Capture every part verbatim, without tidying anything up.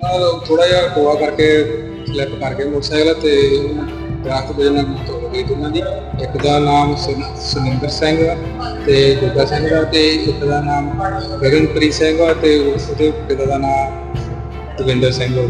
थोड़ा जिहा टोआ करके स्लिप करके मोटरसाइकिल ते दरख्त वजह नाल मौत हो गई दोनों दी। एक दा नाम सुन सुनिंदर सिंह ते जोगा सिंह दा ते एक दा नाम गगनप्रीत सिंह ते उसदे पिता दा नाम दविंदर सिंह।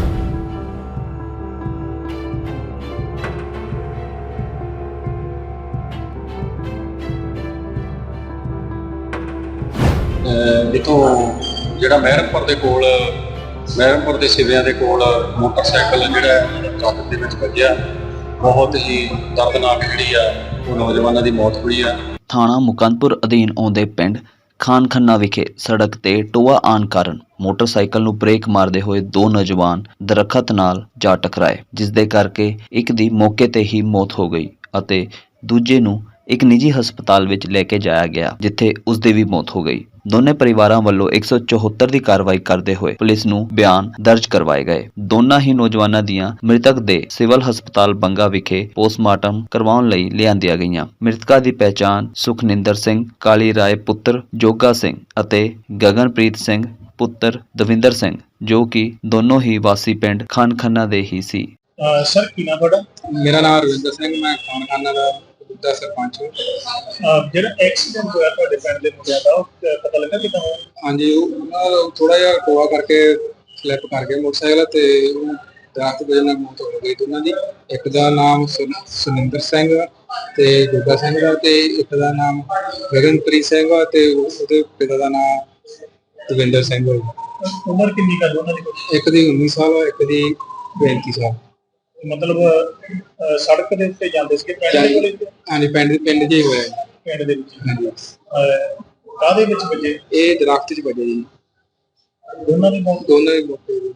ਜਿੱਥੋਂ ਜਿਹੜਾ ਮਹਿਰਮਪੁਰ ਦੇ ਕੋਲ ਮਹਿਰਮਪੁਰ ਦੇ ਸਿਵਿਆਂ ਦੇ ਕੋਲ ਮੋਟਰਸਾਈਕਲ ਜਿਹੜਾ ਟਰੱਕ ਦੇ ਵਿੱਚ ਵੱਜਿਆ, ਬਹੁਤ ਹੀ ਦਰਦਨਾਕ ਜਿਹੜੀ ਆ ਉਹ ਨੌਜਵਾਨਾਂ ਦੀ ਮੌਤ ਹੋਈ ਆ। ਥਾਣਾ ਮੁਕੰਦਪੁਰ ਅਧੀਨ ਆਉਂਦੇ ਪਿੰਡ ਖਾਨ ਖੰਨਾ ਵਿਖੇ ਸੜਕ ਤੇ ਟੋਆ ਆਉਣ ਕਾਰਨ ਮੋਟਰਸਾਈਕਲ ਨੂੰ ਬ੍ਰੇਕ ਮਾਰਦੇ ਹੋਏ ਦੋ ਨੌਜਵਾਨ ਦਰਖਤ ਨਾਲ ਜਾ ਟਕਰਾਏ, ਜਿਸ ਦੇ ਕਰਕੇ ਇੱਕ ਦੀ ਮੌਕੇ ਤੇ ਹੀ ਮੌਤ ਹੋ ਗਈ ਅਤੇ ਦੂਜੇ ਨੂੰ ਇੱਕ ਨਿੱਜੀ ਹਸਪਤਾਲ ਵਿੱਚ ਲੈ ਕੇ ਜਾਇਆ ਗਿਆ, ਜਿੱਥੇ ਉਸ ਦੀ ਵੀ ਮੌਤ ਹੋ ਗਈ। ਦੋਨੇ ਪਰਿਵਾਰਾਂ ਵੱਲੋਂ ਇੱਕ ਸੌ ਚੌਹੱਤਰ ਦੀ ਕਾਰਵਾਈ ਕਰਦੇ ਹੋਏ ਪੁਲਿਸ ਨੂੰ ਬਿਆਨ ਦਰਜ ਕਰਵਾਏ ਗਏ। ਦੋਨਾਂ ਹੀ ਨੌਜਵਾਨਾਂ ਦੀਆਂ ਮ੍ਰਿਤਕ ਦੇ ਸਿਵਲ ਹਸਪਤਾਲ ਬੰਗਾ ਵਿਖੇ ਪੋਸਟਮਾਰਟਮ ਕਰਵਾਉਣ ਲਈ ਲਿਆਂਦੀਆਂ ਗਈਆਂ। ਮ੍ਰਿਤਕਾਂ ਦੀ ਪਹਿਚਾਣ ਸੁਖਨਿੰਦਰ ਸਿੰਘ ਕਾਲੀ ਰਾਏ ਪੁੱਤਰ ਜੋਗਾ ਸਿੰਘ ਅਤੇ ਗਗਨਪ੍ਰੀਤ ਸਿੰਘ ਪੁੱਤਰ ਦਵਿੰਦਰ ਸਿੰਘ, ਜੋ ਕਿ ਦੋਨੋਂ ਹੀ ਵਾਸੀ ਪਿੰਡ ਖਾਨ ਖੰਨਾ ਦੇ ਹੀ ਸੀ। ਸਰ ਕੀ ਨਾਮ ਤੁਹਾਡਾ? मेरा नाम रविंदर सिंह, मैं खान खाना का ਦਾ ਸਰਪੰਚ। ਜਿਹੜਾ ਐਕਸੀਡੈਂਟ ਹੋਇਆ ਤੁਹਾਡੇ ਪਿੰਡ ਦੇ ਮੁੰਡਿਆਂ ਦਾ, ਉਹ ਪਤਾ ਲੱਗਾ ਕਿੱਦਾਂ ਹੋਇਆ? ਹਾਂਜੀ, ਉਹ ਥੋੜਾ ਜਿਹਾ ਟੋਆ ਕਰਕੇ ਸਲਿੱਪ ਕਰ ਗਏ ਮੋਟਰਸਾਈਕਲ ਤੇ ਉਹ ਦਰਖਤ ਵਜ੍ਹਾ ਨਾਲ ਮੌਤ ਹੋ ਗਈ ਦੋਨਾਂ ਦੀ। ਇੱਕ ਦਾ ਨਾਮ ਸੁਨਿੰਦਰ ਸਿੰਘ ਤੇ ਜੋਗਾ ਸਿੰਘ ਦਾ ਤੇ ਇੱਕ ਦਾ ਨਾਮ ਗਗਨਪ੍ਰੀਤ ਸਿੰਘ ਤੇ ਉਹਦੇ ਪਿਤਾ ਦਾ ਨਾਮ ਦਵਿੰਦਰ ਸਿੰਘ। ਉਮਰ ਕਿੰਨੀ ਕਾ ਦੋਨਾਂ ਦੀ? ਇੱਕ ਦੀ ਉੱਨੀ ਸਾਲ, ਇੱਕ ਦੀ ਪੈਂਤੀ ਸਾਲ। ਮਤਲਬ ਸੜਕ ਦੇ ਉੱਤੇ ਜਾਂਦੇ ਸੀ ਪਿੰਡ ਦੇ ਕੋਲੇ? ਹਾਂਜੀ, ਪਿੰਡ ਪਿੰਡ ਜੀ ਹੋਇਆ ਪਿੰਡ ਦੇ ਵਿੱਚ। ਹਾਂਜੀ। ਕਾਹਦੇ ਵਿੱਚ ਵੱਜੇ? ਇਹ ਦਰਖਤ 'ਚ ਵੱਜੇ ਜੀ। ਦੋਨਾਂ ਦੀ ਮੌਤ? ਦੋਨਾਂ ਦੀ ਮੌਤ ਹੋ ਗਈ।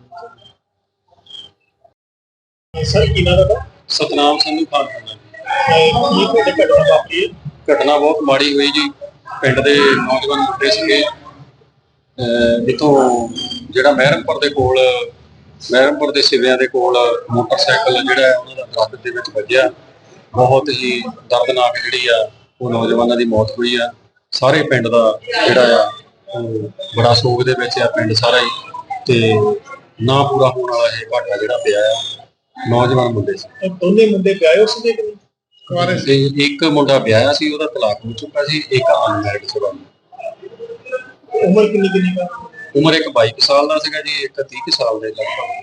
ਸਰ ਕੀ ਨਾਮ ਤੁਹਾਡਾ? ਸਤਨਾਮ ਸਿੰਘ ਖਾਨ ਖੰਨਾ। ਕੀ ਤੁਹਾਡੇ ਘਟਨਾ ਵਾਪਰੀ? ਘਟਨਾ ਬਹੁਤ ਮਾੜੀ ਹੋਈ ਜੀ। ਪਿੰਡ ਦੇ ਨੌਜਵਾਨ ਮੁੰਡੇ ਸੀਗੇ, ਜਿੱਥੋਂ ਜਿਹੜਾ ਮਹਿਰਮਪੁਰ ਦੇ ਕੋਲ ਮਹਿਰਮਪੁਰ ਦੇ ਸਿਵਿਆਂ ਦੇ ਕੋਲ ਮੋਟਰਸਾਈਕਲ ਜਿਹੜਾ ਉਹਨਾਂ ਦਾ ਦਰਖਤ ਦੇ ਵਿੱਚ ਵੱਜਿਆ, ਬਹੁਤ ਹੀ ਦਰਦਨਾਕ ਜਿਹੜੀ ਆ ਉਹ ਨੌਜਵਾਨਾਂ ਦੀ ਮੌਤ ਹੋਈ ਆ। ਸਾਰੇ ਪਿੰਡ ਦਾ ਜਿਹੜਾ ਆ ਉਹ ਬੜਾ ਸੋਗ ਦੇ ਵਿੱਚ ਆ, ਪਿੰਡ ਸਾਰਾ ਹੀ, ਤੇ ਨਾ ਪੂਰਾ ਹੋਣ ਵਾਲਾ ਇਹ ਘਾਟਾ ਜਿਹੜਾ ਪਿਆ ਆ। ਨੌਜਵਾਨ ਮੁੰਡੇ ਸੀ। ਦੋਨੇ ਮੁੰਡੇ ਵਿਆਹੇ ਸੀਗੇ ਕਿ ਨਹੀਂ? ਕੁਆਰੇ ਸੀ। ਇੱਕ ਮੁੰਡਾ ਵਿਆਹਿਆ ਸੀ, ਉਹਦਾ ਤਲਾਕ ਹੋ ਚੁੱਕਾ ਸੀ। ਇੱਕ ਅਨਮੈਰਿਡ ਸੀਗਾ। ਉਮਰ ਕਿੰਨੀ ਕਿੰਨੀ ਦਾ? ਉਮਰ ਇੱਕ ਬਾਈ ਸਾਲ ਦਾ ਸੀਗਾ ਜੀ, ਇੱਕ ਤੀਹ ਸਾਲ ਦੇ ਲਗਭਗ।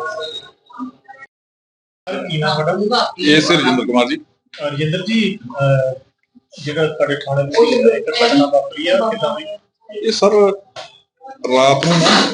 ਕੀ ਨਾਮ ਤੁਹਾਡਾ? ਇਹ ਸਰ ਰਜਿੰਦਰ ਕੁਮਾਰ ਜੀ। ਰਜਿੰਦਰ ਜੀ, ਜਿਹੜਾ ਤੁਹਾਡੇ ਥਾਣੇ ਵਿੱਚ ਇੱਕ ਘਟਨਾ ਵਾਪਰੀ ਆ, ਕਿੱਦਾਂ ਹੋਈ? ਇਹ ਸਰ ਰਾਤ ਨੂੰ ਨਾ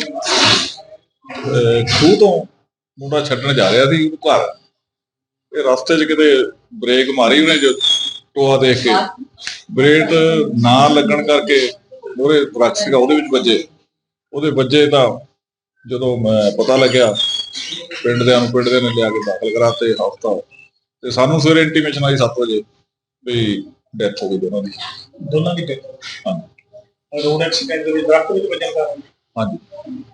ਖੂਹ ਤੋਂ ਮੁੰਡਾ ਛੱਡਣ ਜਾ ਰਿਹਾ ਸੀ ਉਹਨੂੰ ਘਰ। ਇਹ ਰਸਤੇ 'ਚ ਕਿਤੇ ਬ੍ਰੇਕ ਮਾਰੀ ਉਹਨੇ, ਜੋ ਟੋਆ ਦੇਖ ਕੇ ਬ੍ਰੇਕ ਨਾ ਲੱਗਣ ਕਰਕੇ ਮੂਹਰੇ ਟਰੱਕ ਸੀਗਾ ਉਹਦੇ ਵਿੱਚ ਵੱਜੇ। ਉਹਦੇ ਵੱਜੇ ਤਾਂ ਜਦੋਂ ਮੈਂ ਪਤਾ ਲੱਗਿਆ, ਪਿੰਡ ਦਿਆਂ ਨੂੰ ਪਿੰਡ ਦੇ ਨੇ ਲਿਆ ਕੇ ਦਾਖਲ ਕਰਾਤੇ ਹਸਪਤਾਲ, ਤੇ ਸਾਨੂੰ ਸਵੇਰੇ ਇੰਟੀਮੇਸ਼ਨ ਆਈ ਸੱਤ ਵਜੇ ਵੀ ਡੈਥ ਹੋ ਗਈ ਦੋਨਾਂ ਦੀ। ਦੋਨਾਂ ਦੀ ਡੈਥ? ਹਾਂਜੀ। ਰੋਡ ਐਕਸੀਡੈਂਟ ਦੇ ਵਿੱਚ ਦਰਖਤ ਵਿੱਚ ਵੱਜਣ ਕਾਰਨ? ਹਾਂਜੀ।